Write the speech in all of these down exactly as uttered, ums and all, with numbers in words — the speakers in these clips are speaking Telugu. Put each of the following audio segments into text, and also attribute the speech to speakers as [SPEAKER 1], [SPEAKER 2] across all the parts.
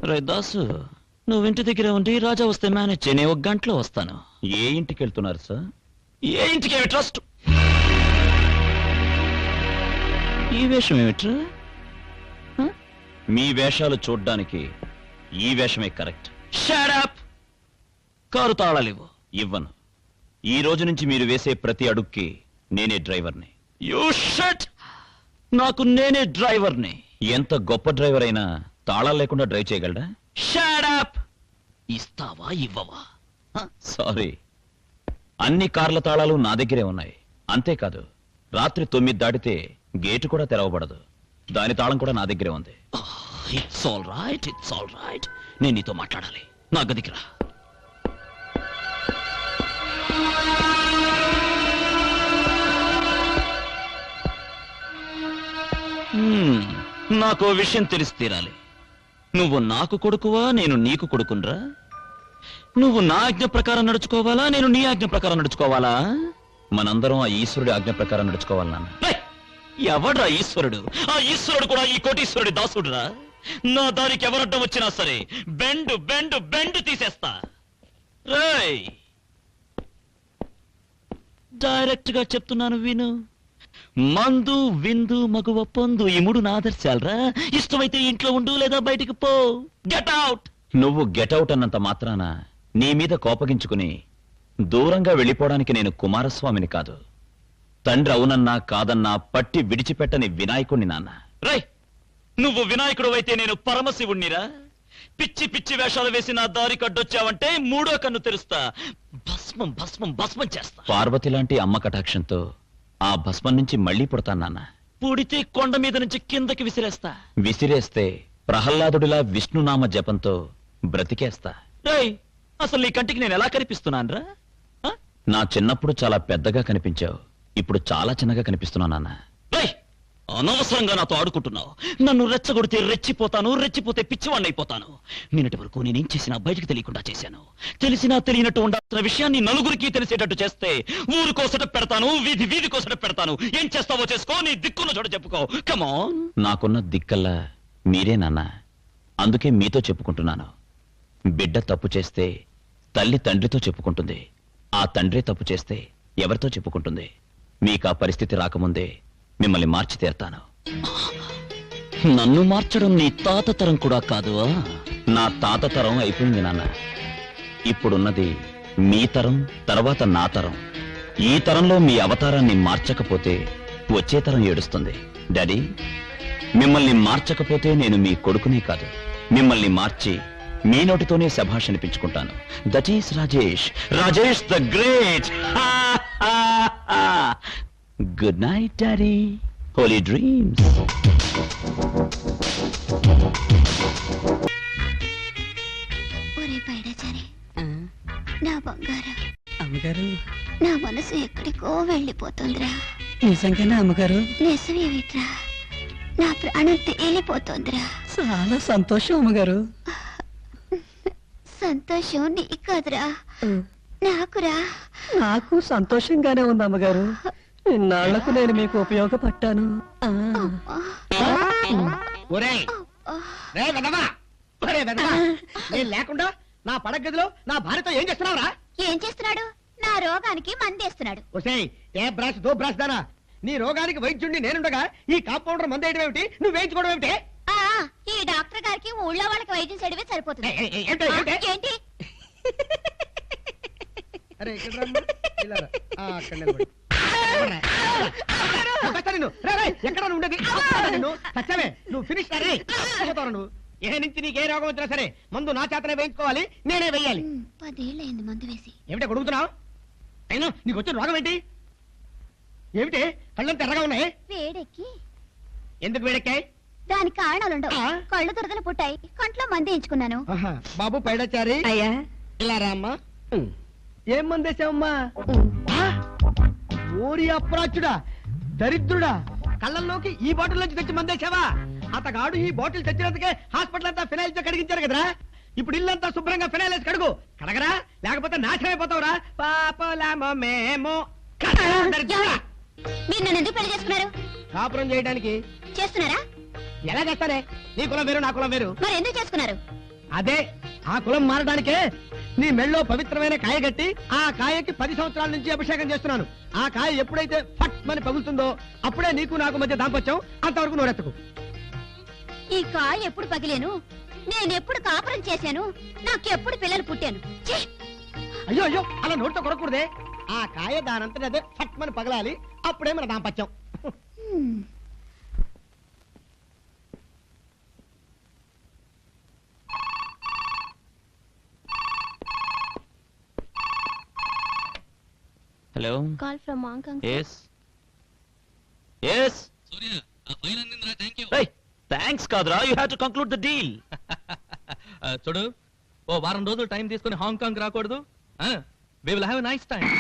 [SPEAKER 1] రే దాసు, నువ్వు ఇంటి దగ్గర ఉండి రాజా వస్తే మేనేజ్ చేయని ఒక గంటలో వస్తాను.
[SPEAKER 2] ఏ ఇంటికి వెళ్తున్నారు సార్?
[SPEAKER 1] ఏ ఇంటికి ఏమి ట్రస్ట్? ఈ వేషం ఏమిట్రా?
[SPEAKER 2] మీ వేషాలు చూడ్డానికి ఈ వేషమే కరెక్ట్.
[SPEAKER 1] Shut up! కారు తాళాలివ్వు.
[SPEAKER 2] ఇవ్వను. ఈ రోజు నుంచి మీరు వేసే ప్రతి అడుక్కి నేనే డ్రైవర్ని.
[SPEAKER 1] You shut! నాకు నేనే డ్రైవర్ని.
[SPEAKER 2] ఎంత గొప్ప డ్రైవర్ అయినా తాళాలు లేకుండా డ్రైవ్ చేయగలడా?
[SPEAKER 1] Shut up! ఇస్తావా ఇవ్వవా?
[SPEAKER 2] సారీ, అన్ని కార్ల తాళాలు నా దగ్గరే ఉన్నాయి. అంతేకాదు, రాత్రి తొమ్మిది దాటితే గేటు కూడా తెరవబడదు. దాని తాళం కూడా నా దగ్గరే ఉంది.
[SPEAKER 1] It's all right, it's all right. నేను నీతో మాట్లాడాలి. నా గదికి రా. నాకు విషయం తెలిసి తీరాలి. నువ్వు నాకు కొడుకువా, నేను నీకు కొడుకునరా? నువ్వు నా ఆజ్ఞ ప్రకారం నడుచుకోవాలా, నేను నీ ఆజ్ఞ ప్రకారం నడుచుకోవాలా?
[SPEAKER 2] మనందరం ఆ ఈశ్వరుడి ఆజ్ఞ ప్రకారం నడుచుకోవాలి నాన్న.
[SPEAKER 1] ఎవడ్రా ఈశ్వరుడు? ఆ ఈశ్వరుడు కూడా ఈ కోటీశ్వరుడి దాసుడురా. నా దానికి ఎవరడ్డం వచ్చినా సరే బెండు బెండు బెండు తీసేస్తా. రేయ్, డైరెక్ట్ గా చెప్తున్నాను విను. మందు, విందు, మగువ, పొందు, ఈ మూడు నా ఆదర్శాలరా. ఇష్టమైతే ఇంట్లో ఉండు, లేదా బయటికి పో. Get out!
[SPEAKER 2] నువ్వు గెటౌట్ అన్నంత మాత్రాన నీ మీద కోపగించుకుని దూరంగా వెళ్ళిపోవడానికి నేను కుమారస్వామిని కాదు. తండ్రి అవునన్నా కాదన్నా పట్టి విడిచిపెట్టని వినాయకుణ్ణి నాన్న.
[SPEAKER 1] రై, నువ్వు వినాయకుడు అయితే నేను పరమశివుణ్ణిరా. పిచ్చి పిచ్చి వేషాలు వేసి నా దారి కడ్డొచ్చావంటే మూడో కన్ను తెరుస్తా. భస్మం భస్మం భస్మం చేస్తా.
[SPEAKER 2] పార్వతి లాంటి అమ్మ కటాక్షంతో ఆ భస్మం నుంచి మళ్లీ పుడతాను నాన్న.
[SPEAKER 1] పుడితే కొండ మీద నుంచి కిందకి విసిరేస్తా.
[SPEAKER 2] విసిరేస్తే ప్రహ్లాదుడిలా విష్ణునామ జపంతో బ్రతికేస్తా.
[SPEAKER 1] రేయ్, అసలు నీ కంటికి నేను ఎలా కనిపిస్తున్నానురా?
[SPEAKER 2] నా చిన్నప్పుడు చాలా పెద్దగా కనిపించావు, ఇప్పుడు చాలా చిన్నగా కనిపిస్తున్నా నాన్న.
[SPEAKER 1] రేయ్, అనవసరంగా నాతో ఆడుకుంటున్నావు. నన్ను రెచ్చగొడితే రెచ్చిపోతాను, రెచ్చిపోతే పిచ్చివాణ్ణి అయిపోతాను. నిన్నటి వరకు నేనేం చేసినా బయటకు తెలియకుండా చేశాను. తెలిసినా తెలియనట్టు ఉండాల్సిన విషయాన్ని నలుగురికి తెలిసేటట్టు చేస్తే ఊరు కోసట పెడతాను, వీధి వీధి కోసట పెడతాను. ఏం చేస్తావో చేసుకో, నీ దిక్కున్న చోట చెప్పుకో. కమాన్.
[SPEAKER 2] నాకున్న దిక్కల్లా మీరే నాన్న. అందుకే మీతో చెప్పుకుంటున్నాను. బిడ్డ తప్పు చేస్తే తల్లి తండ్రితో చెప్పుకుంటుంది. ఆ తండ్రి తప్పు చేస్తే ఎవరితో చెప్పుకుంటుంది? మీకు ఆ పరిస్థితి రాకముందే మిమ్మల్ని మార్చి తీరుతాను.
[SPEAKER 1] నన్ను మార్చడం నీ తాత తరం కూడా కాదు.
[SPEAKER 2] నా తాత తరం అయిపోయింది నాన్న. ఇప్పుడున్నది మీ తరం, తర్వాత నా తరం. ఈ తరంలో మీ అవతారాన్ని మార్చకపోతే వచ్చే తరం ఏడుస్తుంది. డాడీ, మిమ్మల్ని మార్చకపోతే నేను మీ కొడుకునే కాదు, మిమ్మల్ని మార్చి మీ నోటితోనే శభాష్ అనిపించుకుంటాను. That is Rajesh, Rajesh the great. Good night daddy, holy dreams.
[SPEAKER 3] ఒరే పైడాచారి, నా బంగారం
[SPEAKER 4] అమ్మగారు,
[SPEAKER 3] నా మనసు ఎక్కడికో వెళ్ళిపోతుందిరా.
[SPEAKER 4] నిజంగానే అమ్మగారు?
[SPEAKER 3] నిజమేమిట్రా, నా ప్రాణం తేలిపోతుందిరా.
[SPEAKER 4] చాలా సంతోషం అమ్మగారు.
[SPEAKER 3] సంతోషం నీ కాదురా, నాకురా.
[SPEAKER 4] నాకు సంతోషంగానే ఉంది అమ్మగారు. ఇన్నాళ్లకు నేను మీకు ఉపయోగపడ్డాను.
[SPEAKER 5] లేకుండా నా పడగదిలో నా భార్యతో ఏం చేస్తున్నావురా?
[SPEAKER 3] ఏం చేస్తున్నాడు? నా రోగానికి మందేస్తున్నాడు.
[SPEAKER 5] ఒసేయ్, ఏ బ్రాష్ దో బ్రాష్ దానా? నీ రోగానికి వైద్యుడిని నేనుండగా ఈ కాంపౌండర్ మందేయడం ఏమిటి? నువ్వు వేయించుకోవడం ఏమిటి?
[SPEAKER 3] ఈ డాక్టర్ గారికి ఊళ్ళో వాళ్ళకి వైద్యం చేయడమే సరిపోతుంది. ఏంటి?
[SPEAKER 5] అరే ఎక్కడ ఉండేది? సత్యమే, నువ్వు ఫినిష్ నువ్వు. ఏ నుంచి నీకే రోగం వచ్చినా సరే మందు నా చేతనే వేయించుకోవాలి, నేనే వెయ్యాలి.
[SPEAKER 3] పదేళ్ళైంది మందు వేసి.
[SPEAKER 5] ఏమిటా కొడుకుతున్నావు? అయినా నీకు వచ్చిన రోగం ఏంటి? ఏమిటి కళ్ళంతా ఎర్రగా ఉన్నాయి?
[SPEAKER 3] వేడెక్కి.
[SPEAKER 5] ఎందుకు వేడెక్కాయి?
[SPEAKER 3] దానికి కారణాలుండవు. కళ్ళు దురదలు పుట్టాయి, కంట్లో మంది ఎంచుకున్నాను.
[SPEAKER 5] బాబు పైడాచారి,
[SPEAKER 4] అయ్యా
[SPEAKER 5] ఇలా రామ్మా. ఏం మందేశావమ్మా? ఓరి అప్రాచుడా, దరిద్రుడా, కళ్ళల్లోకి ఈ బాటిల్ నుంచి తెచ్చి మందేశావా? అతగాడు ఈ బాటిల్ తెచ్చినందుకే హాస్పిటల్ అంతా ఫినాయిల్ తో కడిగించారు కదరా. ఇప్పుడు ఇల్లంతా శుభ్రంగా ఫినాయిల్ వేసి కడుగు. కడగరా, లేకపోతే నాశనం అయిపోతావురా. పాపలామో మేము.
[SPEAKER 3] మీరు నన్ను ఎందుకు పెళ్లి చేసుకున్నారు?
[SPEAKER 5] కాపురం చేయడానికి.
[SPEAKER 3] చేస్తున్నారా?
[SPEAKER 5] ఎలా చేస్తారే? నీ కులం వేరు, నా కులం వేరు.
[SPEAKER 3] మరి ఎందుకు చేసుకున్నారు?
[SPEAKER 5] అదే ఆ కులం మారడానికే నీ మెళ్ళో పవిత్రమైన కాయ కట్టి ఆ కాయకి పది సంవత్సరాల నుంచి అభిషేకం చేస్తున్నాను. ఆ కాయ ఎప్పుడైతే ఫట్ మని పగులుతుందో అప్పుడే నీకు నాకు మధ్య దాంపత్యం. అంతవరకు నోరెత్తకు.
[SPEAKER 3] ఈ కాయ ఎప్పుడు పగిలేను, నేనెప్పుడు కాపురం చేశాను, నాకెప్పుడు పిల్లలు పుట్టాను. ఛీ!
[SPEAKER 5] అయ్యో అయ్యో అలా నోటితో కొరకూడదే. ఆ కాయ దానంతటి అదే ఫట్ మని పగలాలి. అప్పుడే మన దాంపత్యం.
[SPEAKER 3] Hmm.
[SPEAKER 1] Hello
[SPEAKER 3] call from Hong Kong.
[SPEAKER 1] Yes yes
[SPEAKER 6] Surya ఆ ఫైల్ అందిందిరా, థ్యాంక్ యూ.
[SPEAKER 1] థ్యాంక్స్ కాదురా, you have to conclude the deal.
[SPEAKER 6] చూడు, ఓ వారం రోజులు టైం తీసుకుని హాంకాంగ్ రాకూడదు? We will have a nice time.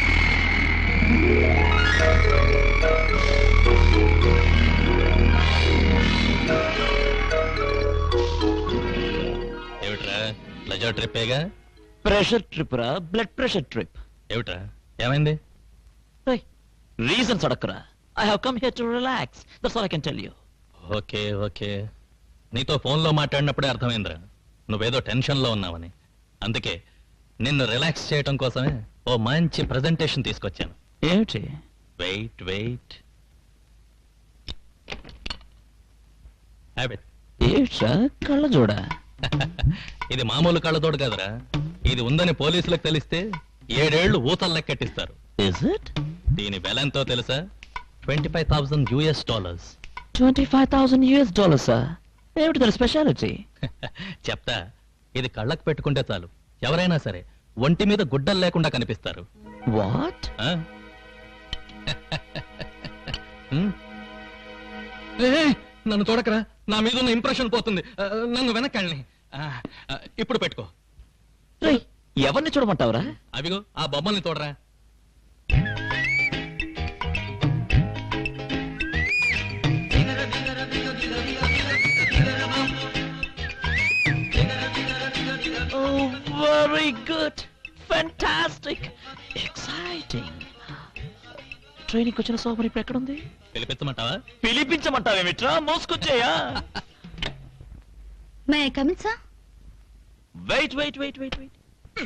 [SPEAKER 6] ఏమిట్రా, ప్లెజర్ ట్రిప్ ఏగా?
[SPEAKER 1] ప్రెషర్ ట్రిప్ రా, బ్లడ్ ప్రెషర్ ట్రిప్.
[SPEAKER 6] ఏమిట్రా, ఏమైంది?
[SPEAKER 1] రీజన్స్ అడక్కరా. I have come here to relax, that's all I can tell you.
[SPEAKER 6] Okay okay, నీతో ఫోన్లో మాట్లాడినప్పుడే అర్థమైందిరా నువ్వేదో టెన్షన్లో ఉన్నావని. అందుకే నిన్ను రిలాక్స్ చేయటం కోసమే ఓ మంచి ప్రెజెంటేషన్ తీసుకొచ్చాను.
[SPEAKER 1] ఏమిటి?
[SPEAKER 6] Wait wait habit.
[SPEAKER 1] ఏమిట్రా కళ్ళ చూడ?
[SPEAKER 6] ఇది మామూలు కళ్ళతోడు కదరా, ఇది ఉందని పోలీసులకు తెలిస్తే ఏడేళ్లు ఊతలు లెక్కెట్టిస్తారు.
[SPEAKER 1] Is it?
[SPEAKER 6] దీని వెల ఎంతో తెలుసా? Twenty five thousand US dollars.
[SPEAKER 1] Twenty five thousand US dollars. ఏమిటి దాని స్పెషాలిటీ?
[SPEAKER 6] చెప్తా, ఇది కళ్ళకు పెట్టుకుంటే చాలు ఎవరైనా సరే ఒంటి మీద గుడ్డలు లేకుండా కనిపిస్తారు.
[SPEAKER 1] వాట్?
[SPEAKER 6] ఆ? హ్మ్? ఏ, నన్ను చూడకరా, నా మీద ఉన్న ఇంప్రెషన్ పోతుంది. ఆ, నన్ను వెనక్కి ఇప్పుడు పెట్టుకో.
[SPEAKER 1] ఎవరిని చూడమంటావురా?
[SPEAKER 6] అవిగో ఆ బొమ్మల్ని చూడరా.
[SPEAKER 1] Very good, fantastic, exciting. Training వచ్చిన సోమరి ఇప్పుడు ఎక్కడుంది?
[SPEAKER 6] పిలిపించమంటావా?
[SPEAKER 1] పిలిపించమంటావేమిట్రా? మోసుకొచ్చేయా?
[SPEAKER 3] May I come in sir?
[SPEAKER 1] Wait wait wait wait wait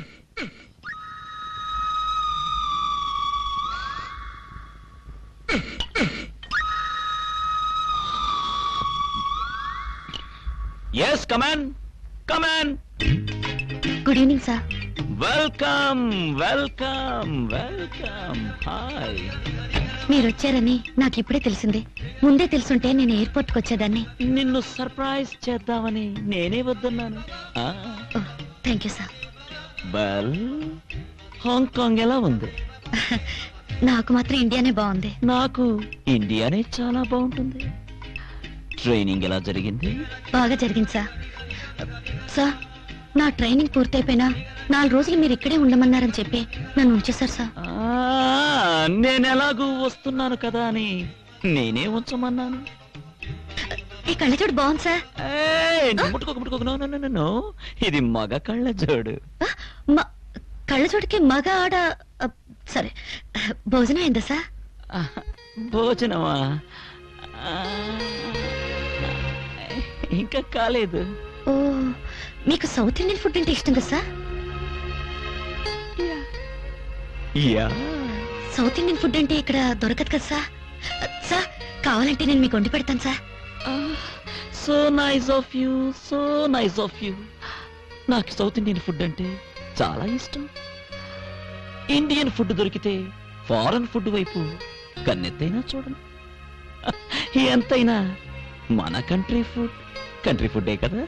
[SPEAKER 1] yes, come on come on.
[SPEAKER 3] Good evening sir.
[SPEAKER 1] Welcome welcome welcome. Hi.
[SPEAKER 3] మీరు వచ్చారని నాకు ఇప్పుడే తెలిసింది. ముందే తెలుసుంటే నేను ఎయిర్పోర్ట్కి వచ్చేదాన్ని.
[SPEAKER 1] నిన్ను సర్ప్రైజ్ చేద్దామని నేనే వద్దన్నాను.
[SPEAKER 3] Thank you sir.
[SPEAKER 1] Well, Hong Kong ఎలా ఉంది?
[SPEAKER 3] నాకు మాత్రం ఇండియానే బాగుంది.
[SPEAKER 1] నాకు ఇండియానే చాలా బాగుంటుంది. ట్రైనింగ్ ఎలా జరిగింది?
[SPEAKER 3] బాగా జరిగింది సార్. సార్, నా ట్రైనింగ్ పూర్తయిపోయినా నాలుగు రోజులు మీరు ఇక్కడే ఉండమన్నారని చెప్పి నన్ను ఉంచేశారు సార్.
[SPEAKER 1] నేను ఎలాగూ వస్తున్నాను కదా అని నేనే ఉంచమన్నాను.
[SPEAKER 3] ఈ కళ్ళజోడు బాగుంది సార్.
[SPEAKER 1] ఏయ్, నువ్వు ముట్టుకోక ముట్టుకోక. No, no, no, no, no. ఇది మగ కళ్ళజోడు.
[SPEAKER 3] మ- కళ్ళజోడుకి మగ ఆడ ఆ, సరే, భోజనం అయిందా సార్?
[SPEAKER 1] భోజనమా? ఆ, ఇంకా కాలేదు.
[SPEAKER 3] ఓ, మీకు సౌత్ ఇండియన్ ఫుడ్ అంటే ఇష్టం కదా sir?
[SPEAKER 1] Yeah.
[SPEAKER 3] South Indian food అంటే ఇక్కడ దొరకదు కదా సార్? సార్, కావాలంటే నేను మీకు వండి పెడతాను sir.
[SPEAKER 1] So nice of you, so nice of you. నాకు సౌత్ ఇండియన్ ఫుడ్ అంటే చాలా ఇష్టం. ఇండియన్ ఫుడ్ దొరికితే ఫారెన్ ఫుడ్ వైపు కన్నెత్తైనా చూడను. ఎంతైనా మన కంట్రీ ఫుడ్ కంట్రీ ఫుడ్డే కదా.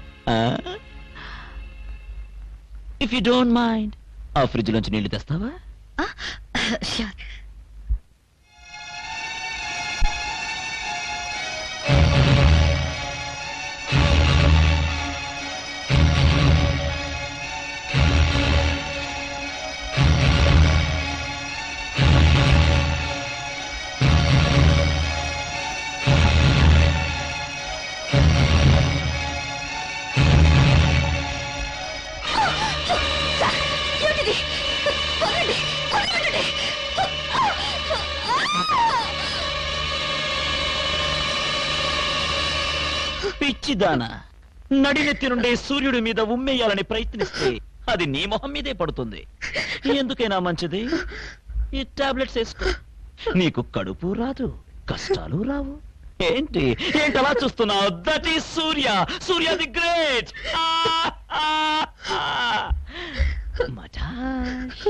[SPEAKER 1] ఇఫ్ యూ డోంట్ మైండ్, ఆ ఫ్రిడ్జ్ లోంచి నీళ్లు తెస్తావా?
[SPEAKER 3] ష్యూర్.
[SPEAKER 1] పిచ్చిదానా, నడినెత్తి నుండి సూర్యుడి మీద ఉమ్మేయాలని ప్రయత్నిస్తే అది నీ మొహం మీదే పడుతుంది. ఎందుకైనా మంచిది ఈ టాబ్లెట్స్ వేసుకో. నీకు కడుపు రాదు, కష్టాలు రావు. ఏంటి ఏంటి అలా చూస్తున్నావు? That is Surya. Surya the great. మటాష్.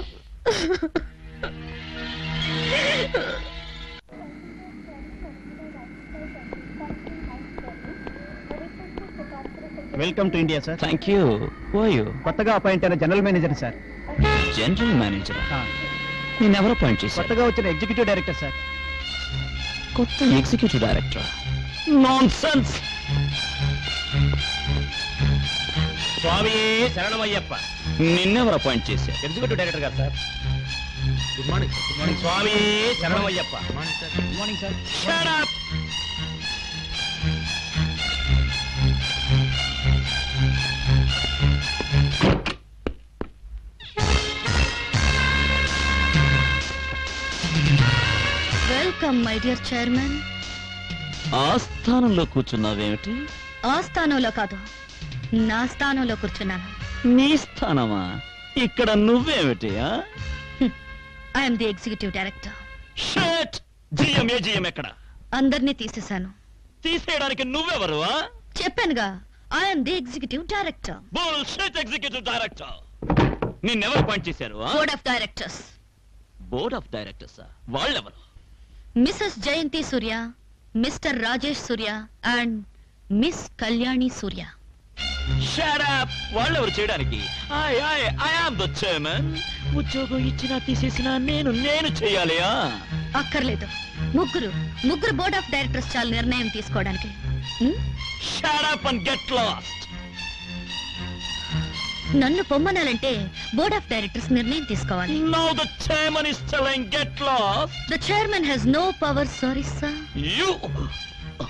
[SPEAKER 5] Welcome to India sir.
[SPEAKER 1] Thank you. ఓయూ
[SPEAKER 5] కొత్తగా అపాయింట్ అయిన general manager sir.
[SPEAKER 1] General manager నేనెవరు అపాయింట్ చేశారు?
[SPEAKER 5] కొత్తగా వచ్చిన ఎగ్జిక్యూటివ్ డైరెక్టర్ సార్.
[SPEAKER 1] కొత్త ఎగ్జిక్యూటివ్ డైరెక్టర్. Nonsense.
[SPEAKER 5] స్వామి శరణమయ్యప్ప.
[SPEAKER 1] నిన్నెవరు అపాయింట్ చేశారు?
[SPEAKER 5] ఎగ్జిక్యూటివ్ డైరెక్టర్ గారు sir. Good morning. Good morning స్వామి శరణమయ్యప్ప. Good morning sir. Good morning sir.
[SPEAKER 1] Shut up!
[SPEAKER 3] Welcome my dear chairman.
[SPEAKER 1] ఆ స్థానంలో కూర్చున్నావేమిటి?
[SPEAKER 3] ఆ స్థానంలో కాదు, నా స్థానంలో కూర్చున్నాను.
[SPEAKER 1] నీ స్థానమా? ఇక్కడ నువ్వేమిటి?
[SPEAKER 3] I'm the executive director.
[SPEAKER 1] Shut! GM ఏ జిఎం ఎక్కడ?
[SPEAKER 3] అందరినీ తీసేశాను.
[SPEAKER 1] తీసేయడానికి నువ్వెవరు?
[SPEAKER 3] చెప్పానుగా, I'm the executive director.
[SPEAKER 1] Bullshit executive director. నిన్నెవరు అపాయింట్ చేశారు?
[SPEAKER 3] Board of directors.
[SPEAKER 1] Board of directors. వాళ్ళెవరు?
[SPEAKER 3] Mrs Jayanti Surya, Mr Rajesh Surya and Miss Kalyani Surya.
[SPEAKER 1] Shut up! వాళ్ళెవరు చేయడానికి? I I I am the chairman. ఉద్యోగం ఇచ్చినా తీసేసినా నేను నేను చేయాలి.
[SPEAKER 3] అక్కర్లేదు. ముగ్గురు ముగ్గురు బోర్డ్ ఆఫ్ డైరెక్టర్స్ చాలు నిర్ణయం తీసుకోవడానికి. Hmm?
[SPEAKER 1] Shut up and get lost.
[SPEAKER 3] నన్ను పొమ్మనాలంటే బోర్డ్ ఆఫ్ డైరెక్టర్స్ నిర్ణయం తీసుకోవాలి.
[SPEAKER 1] Now the chairman is telling get lost.
[SPEAKER 3] The chairman has no power, sorry sir.
[SPEAKER 1] You